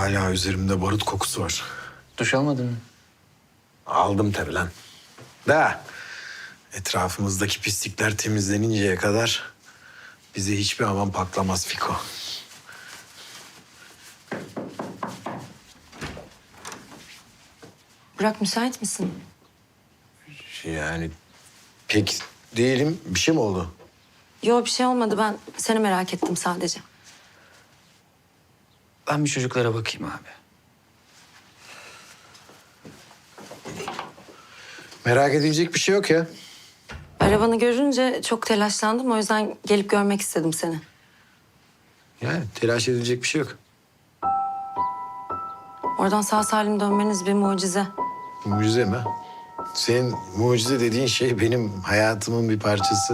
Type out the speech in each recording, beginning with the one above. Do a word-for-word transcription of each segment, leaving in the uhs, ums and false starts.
Hala üzerimde barut kokusu var. Duş almadın mı? Aldım tabii lan. Da etrafımızdaki pislikler temizleninceye kadar bize hiçbir aman patlamaz Fiko. Burak müsait misin? Yani pek değilim. Bir şey mi oldu? Yok bir şey olmadı, ben seni merak ettim sadece. Ben bir çocuklara bakayım abi. Merak edilecek bir şey yok ya. Arabanı görünce çok telaşlandım, o yüzden gelip görmek istedim seni. Yani telaş edilecek bir şey yok. Oradan sağ salim dönmeniz bir mucize. Mucize mi? Senin mucize dediğin şey benim hayatımın bir parçası.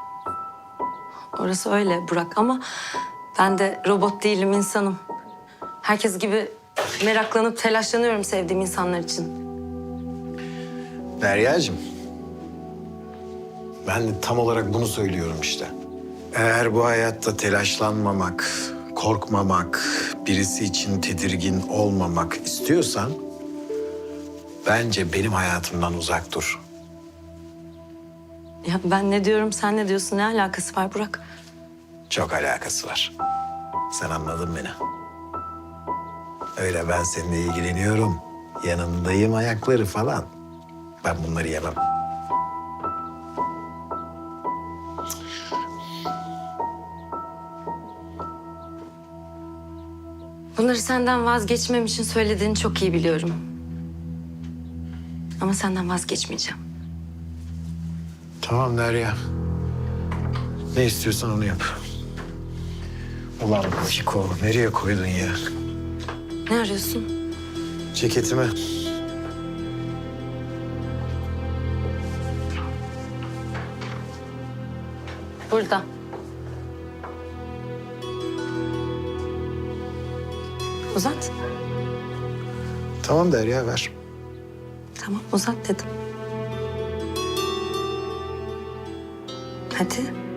Orası öyle Burak ama ben de robot değilim, insanım. Herkes gibi meraklanıp telaşlanıyorum sevdiğim insanlar için. Deryacığım, ben de tam olarak bunu söylüyorum işte. Eğer bu hayatta telaşlanmamak, korkmamak, birisi için tedirgin olmamak istiyorsan... bence benim hayatımdan uzak dur. Ya ben ne diyorum, sen ne diyorsun? Ne alakası var Burak? Çok alakası var. Sen anladın beni. Öyle ben seninle ilgileniyorum, yanındayım ayakları falan. Ben bunları yemem. Bunları senden vazgeçmem için söylediğini çok iyi biliyorum. Ama senden vazgeçmeyeceğim. Tamam Derya. Ne istiyorsan onu yap. Ulan Fiko, nereye koydun ya? Ne arıyorsun? Ceketimi. Burada. Uzat. Tamam Derya, ver. Tamam uzat dedim. Hadi.